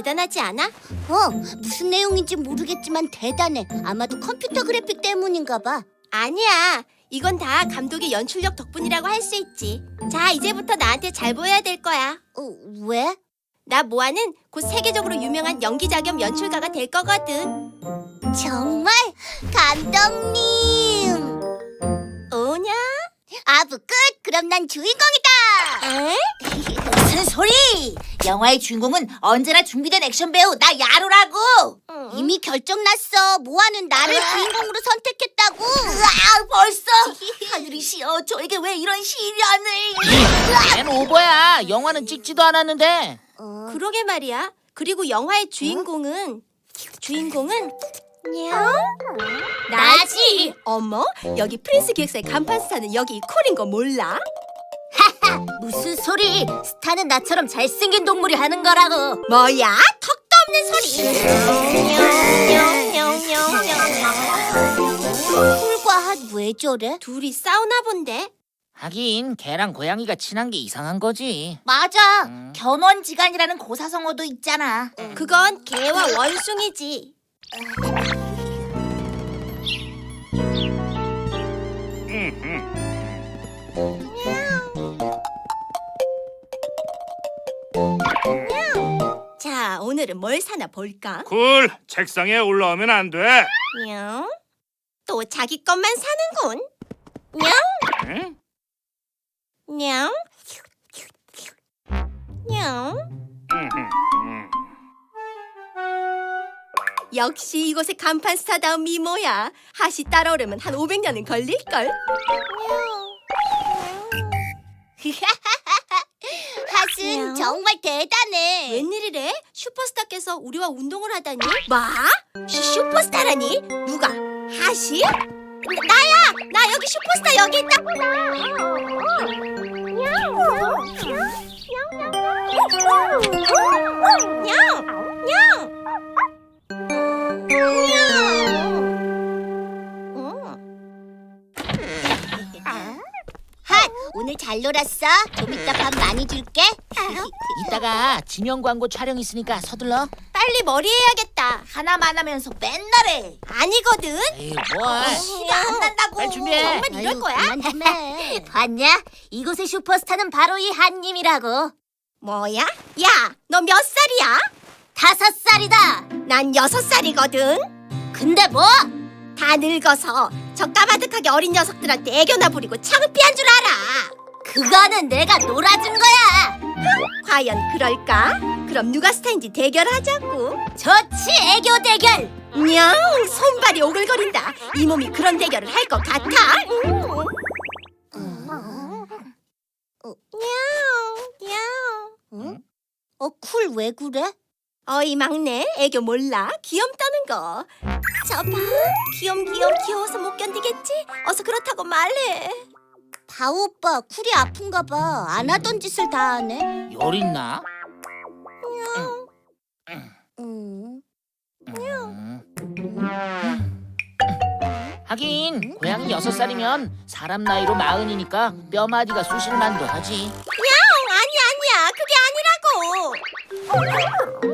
대단하지 않아? 무슨 내용인지 모르겠지만 대단해. 아마도 컴퓨터 그래픽 때문인가 봐. 아니야. 이건 다 감독의 연출력 덕분이라고 할 수 있지. 자, 이제부터 나한테 잘 보여야 될 거야. 왜? 나 모아는 곧 세계적으로 유명한 연기자 겸 연출가가 될 거거든. 정말? 감독님! 오냐? 아부 끝! 그럼 난 주인공이다! 에? 무슨 소리! 영화의 주인공은 언제나 준비된 액션 배우 나 야로라고! 이미 결정났어. 모아는 나를 주인공으로 선택했다고. 벌써? 하늘이 시어. 저에게 왜 이런 시련을? 걘 오버야. 영화는 찍지도 않았는데. 그러게 말이야. 그리고 영화의 주인공은 나지. 어머, 여기 프린스 기획사의 간판 스타는 여기 콜인 거 몰라? 무슨 소리! 스타는 나처럼 잘생긴 동물이 하는 거라고. 뭐야? 턱도 없는 소리. 쿨과 핫 왜 저래? 둘이 싸우나 본데. 하긴 걔랑 고양이가 친한 게 이상한 거지. 맞아. 견원지간이라는 고사성어도 있잖아. 그건 개와 원숭이지. 자, 오늘은 뭘 사나 볼까? 쿨, 책상에 올라오면 안 돼. 냥. 또 자기 것만 사는군. 응? 냥. 냥. 역시 이곳의 간판 스타다운 미모야. 핫이 따라오려면 한 500년은 걸릴걸. 핫은 정말 대단해. 웬일이래? 슈퍼스타께서 우리와 운동을 하다니? 뭐? 슈퍼스타라니? 누가? 핫이? 나야! 나 여기 슈퍼스타 여기 있다! 핫, 오늘 잘 놀았어? 좀 이따 밥 많이 줄게. 이따가 지명 광고 촬영 있으니까 서둘러. 빨리 머리 해야겠다. 하나만 하면서 맨날 해. 아니거든? 에이, 뭘. 티가 안 난다고. 빨리 준비해. 정말 이럴 거야? 그만 좀 해. 봤냐? 이곳의 슈퍼스타는 바로 이 핫님이라고. 뭐야? 야, 너 몇 살이야? 5살이다. 난 6살이거든. 근데 뭐? 다 늙어서 저 까마득하게 어린 녀석들한테 애교나 부리고 창피한 줄 알아. 그거는 내가 놀아준 거야. 과연 그럴까? 그럼 누가 스타인지 대결하자고. 좋지, 애교 대결. 냥, 손발이 오글거린다. 이 몸이 그런 대결을 할 것 같아? 냥. 쿨 왜 그래? 어이 막내, 애교 몰라? 귀염따는 거. 저 봐, 귀여워서 못 견디겠지? 어서 그렇다고 말해. 바오 오빠, 쿨이 아픈가 봐. 안 하던 짓을 다 하네. 열 있나? 음. 하긴 고양이 6살이면 사람 나이로 40이니까 뼈마디가 쑤실만도 하지. 아니야, 그게 아니라고.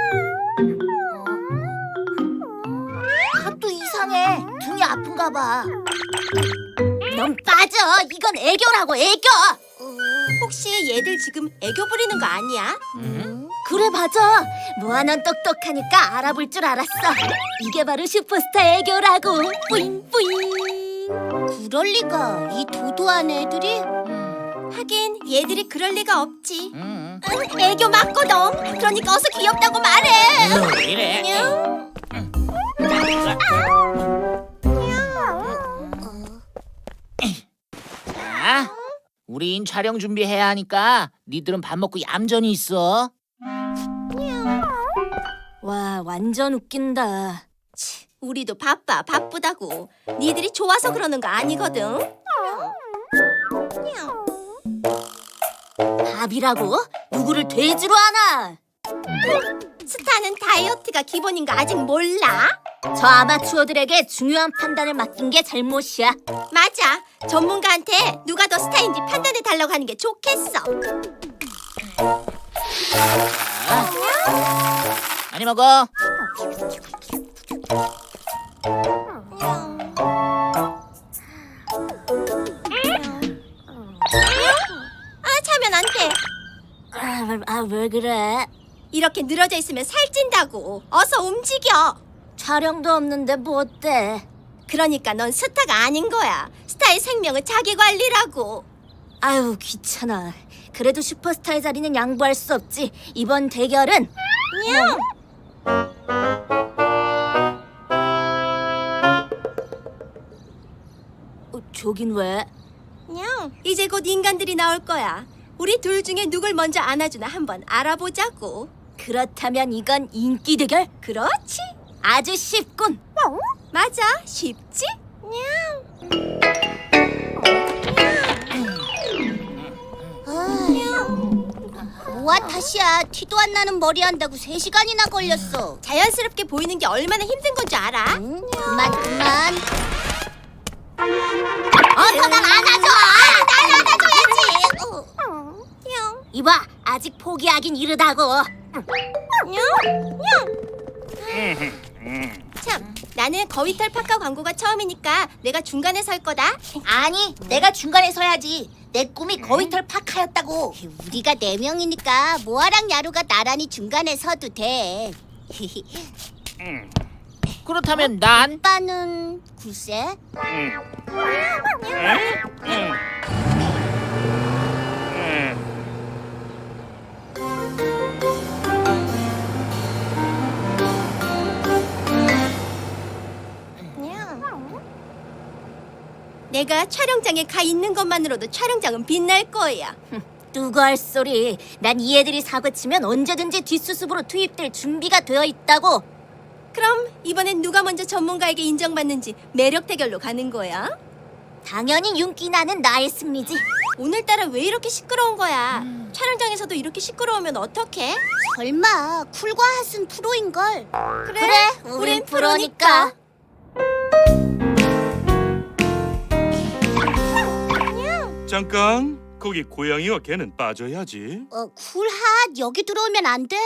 핫도 이상해. 등이 아픈가 봐. 넌 빠져. 이건 애교라고, 애교. 혹시 얘들 지금 애교 부리는 거 아니야? 그래, 맞아. 모아, 넌 똑똑하니까 알아볼 줄 알았어. 이게 바로 슈퍼스타 애교라고. 뿌잉뿌잉. 그럴 리가. 이 도도한 애들이. 하긴 얘들이 그럴 리가 없지. 응. 애교 맞거든. 그러니까 어서 귀엽다고 말해. 왜 이래? 자, 우린 촬영 준비해야 하니까 니들은 밥 먹고 얌전히 있어. 와, 완전 웃긴다. 우리도 바쁘다고. 니들이 좋아서 그러는 거 아니거든. 밥이라고? 누구를 돼지로 하나? 스타는 다이어트가 기본인 거 아직 몰라? 저 아마추어들에게 중요한 판단을 맡긴 게 잘못이야. 맞아. 전문가한테 누가 더 스타인지 판단해 달라고 하는 게 좋겠어. 많이 먹어. 차면 안 돼. 왜 그래? 이렇게 늘어져 있으면 살찐다고. 어서 움직여. 촬영도 없는데 뭐 어때? 그러니까 넌 스타가 아닌 거야. 스타의 생명은 자기 관리라고. 아유 귀찮아. 그래도 슈퍼스타의 자리는 양보할 수 없지. 이번 대결은 저긴 왜? 이제 곧 인간들이 나올 거야. 우리 둘 중에 누굴 먼저 안아주나 한번 알아보자고. 그렇다면 이건 인기 대결? 그렇지. 아주 쉽군. 맞아. 쉽지? 뭐야 탓이야. 티도 안 나는 머리 한다고 3시간이나 걸렸어. 자연스럽게 보이는 게 얼마나 힘든 건 줄 알아? 그만. 어서 날 안아줘. 날 안아줘야지. 이봐, 아직 포기하긴 이르다고. 참, 나는 거위털 파카 광고가 처음이니까 내가 중간에 설 거다. 아니, 내가 중간에 서야지. 내 꿈이 거위털 파카였다고. 우리가 4명이니까 모아랑 야루가 나란히 중간에 서도 돼. 그렇다면 난 오빠는 글쎄. 내가 촬영장에 가 있는 것만으로도 촬영장은 빛날 거야. 누가 할 소리. 난 이 애들이 사고치면 언제든지 뒷수습으로 투입될 준비가 되어 있다고. 그럼 이번엔 누가 먼저 전문가에게 인정받는지 매력 대결로 가는 거야? 당연히 윤기 나는 나의 승리지. 오늘따라 왜 이렇게 시끄러운 거야? 촬영장에서도 이렇게 시끄러우면 어떡해? 설마 쿨과 핫은 프로인걸. 그래, 우린 프로니까. 잠깐. 거기 고양이와 개는 빠져야지. 쿨핫 여기 들어오면 안 돼.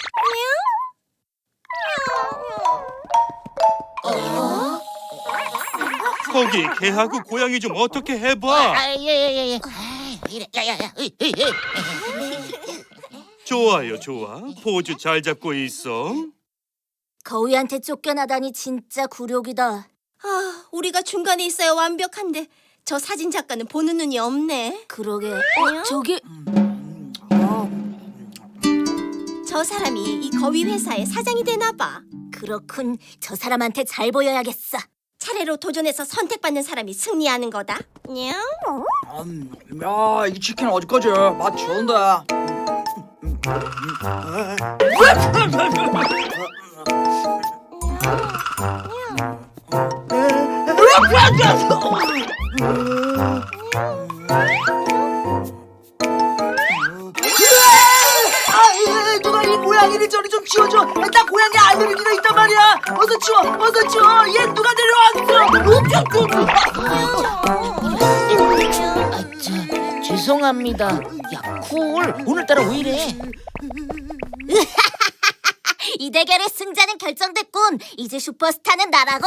거기 개하고 고양이 좀 어떻게 해봐. 예예예. 이래 야야야. 좋아요, 좋아. 포즈 잘 잡고 있어. 거위한테 쫓겨나다니 진짜 굴욕이다. 아, 우리가 중간에 있어야 완벽한데 저 사진 작가는 보는 눈이 없네. 그러게. 저기 저 사람이 이 거위 회사의 사장이 되나 봐. 그렇군. 저 사람한테 잘 보여야겠어. 차례로 도전해서 선택받는 사람이 승리하는 거다. 야, 이 치킨 어디까지? 맛 좋은데. 누가 이 고양이를 저리 좀 치워줘. 나 고양이 알레르기가 있단 말이야. 어서 치워, 어서 치워. 얘 누가 데려왔어? 죄송합니다. 야, 쿨. 오늘따라 왜 이래? 이 대결의 승자는 결정됐군. 이제 슈퍼스타는 나라고.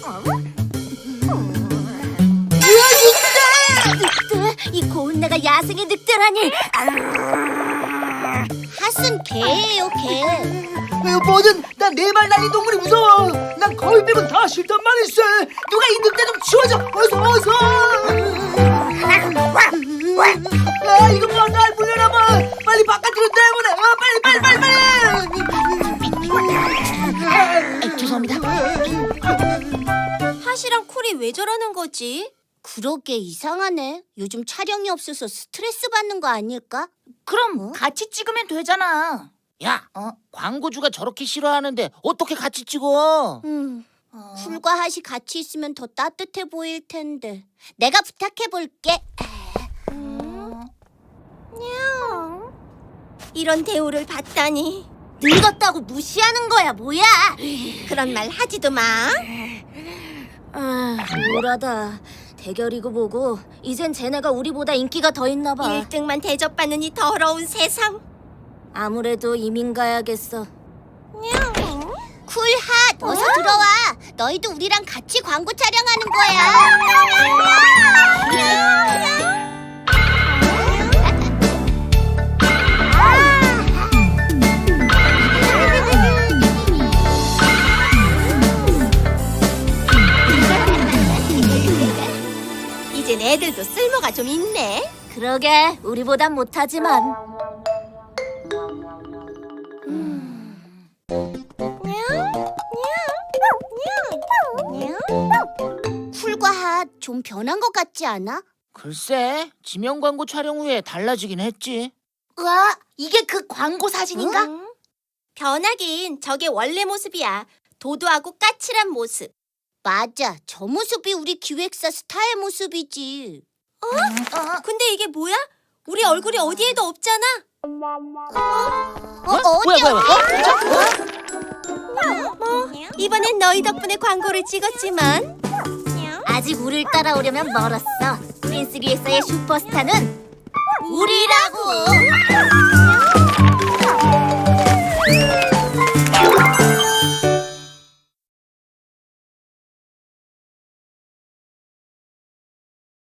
늑대! 이 고운 내가 야생의 늑대라니. 핫은 개예요, 개. 뭐든 난 네 발 날린 동물이 무서워. 난 거위 빼곤 다 싫단 말이지. 누가 이 늑대 좀 치워줘. 어서. 아, 이거 뭐 날 물려나봐. 빨리 바깥으로 내보내. 빨리. 죄송합니다. 핫이랑 쿨이 왜 저러는 거지? 그러게 이상하네. 요즘 촬영이 없어서 스트레스 받는 거 아닐까? 그럼 같이 찍으면 되잖아. 야, 광고주가 저렇게 싫어하는데 어떻게 같이 찍어? 쿨과 핫이 같이 있으면 더 따뜻해 보일 텐데. 내가 부탁해 볼게. 이런 대우를 받다니. 늙었다고 무시하는 거야, 뭐야? 그런 말 하지도 마. 우울하다. 대결이고 뭐고 이젠 쟤네가 우리보다 인기가 더 있나 봐. 1등만 대접받는 이 더러운 세상. 아무래도 이민 가야겠어. 쿨핫, 어서 들어와. 너희도 우리랑 같이 광고 촬영하는 거야. 이젠 애들도 쓸모가 좀 있네. 그러게, 우리보단 못하지만. 쿨과 핫 좀 변한 것 같지 않아? 글쎄, 지명 광고 촬영 후에 달라지긴 했지. 우와, 이게 그 광고 사진인가? 변하긴 저게 원래 모습이야. 도도하고 까칠한 모습. 맞아, 저 모습이 우리 기획사 스타의 모습이지. 근데 이게 뭐야? 우리 얼굴이 어디에도 없잖아. 이번엔 너희 덕분에 광고를 찍었지만 아직 우릴 따라오려면 멀었어. 프린스 기획사의 슈퍼스타는 우리라고.